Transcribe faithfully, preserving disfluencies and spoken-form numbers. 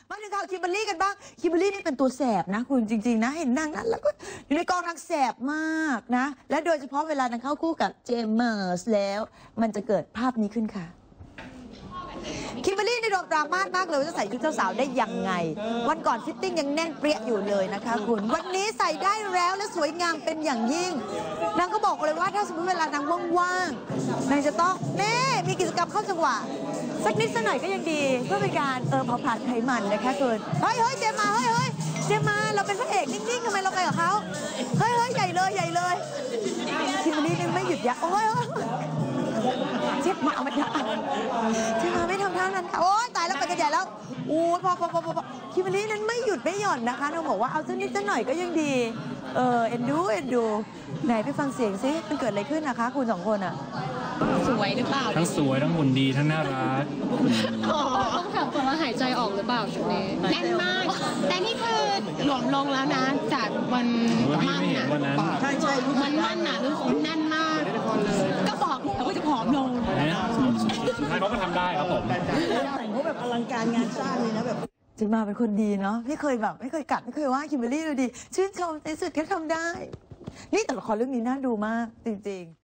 มาถึงข่าวคิมเบอรรี่กันบ้างคิมเบอรรี่นี่เป็นตัวแสบนะคุณจริงๆนะเห็นนางนั้นแล้วก็อยู่ในกองนางแสบมากนะและโดยเฉพาะเวลานางเข้าคู่กับเจมส์แล้วมันจะเกิดภาพนี้ขึ้นค่ะคิมเบอรรี่ในโดนดราม่ามากเลยว่าจะใส่ชุดเจ้าสาวได้ยังไงวันก่อนฟิตติ้งยังแน่นเปรี้ยอยู่เลยนะคะคุณวันนี้ใส่ได้แล้วและสวยงามเป็นอย่างยิ่งนางก็บอกเลยว่าถ้าสมมติเวลานางว่างๆนางจะต้องแม่มีกิจกรรมเข้าจังหวะสักนิดสักหน่อยก็ยังดีเพื่อเป็นการเออเผาผลาญไขมันนะคะคุณเฮ้ยเฮ้ยเจมมาเฮ้ยเฮ้ยเจมมาเราเป็นพระเอกนิ่งๆทำไมเราไปกับเขาเฮ้ยเฮ้ยใหญ่เลยใหญ่เลยคิมเบอรรี่นี่ไม่หยุดยั้งโอ้ยเจ็บมาไม่ได้เจ็บมาไม่ทำท่านั้นค่ะโอ้ยตายแล้วไปกันใหญ่แล้วโอ้พอพอพอพอคิมเบอรรี่นั้นไม่หยุดไม่หย่อนนะคะน้องบอกว่าเอาสักนิดสักหน่อยก็ยังดีเออเอ็นดูเอ็นดูไหนไปฟังเสียงซิมันเกิดอะไรขึ้นนะคะคุณสองคนอ่ะสวยหรือเปล่าทั้งสวยทั้งหุ่นดีทั้งน่ารักต้องถามก่อนว่าหายใจออกหรือเปล่าชุดนี้แน่นมากแต่นี่คือหลวมลงแล้วนะจากวันมั่นน่ะใช่ใช่มันมั่นน่ะรู้สึกแน่นมากก็บอกแล้วว่าจะผอมลงสุดท้ายเขาก็ทำได้ครับผมแต่งเขาแบบอลังการงานสร้างเลยนะแบบเจมมาเป็นคนดีเนาะไม่เคยแบบไม่เคยกัดไม่เคยว่าคิมเบอรรี่เลยดีชื่นชมในสุดแค่ทำได้นี่แต่ละครเรื่องนี้น่าดูมากจริงๆ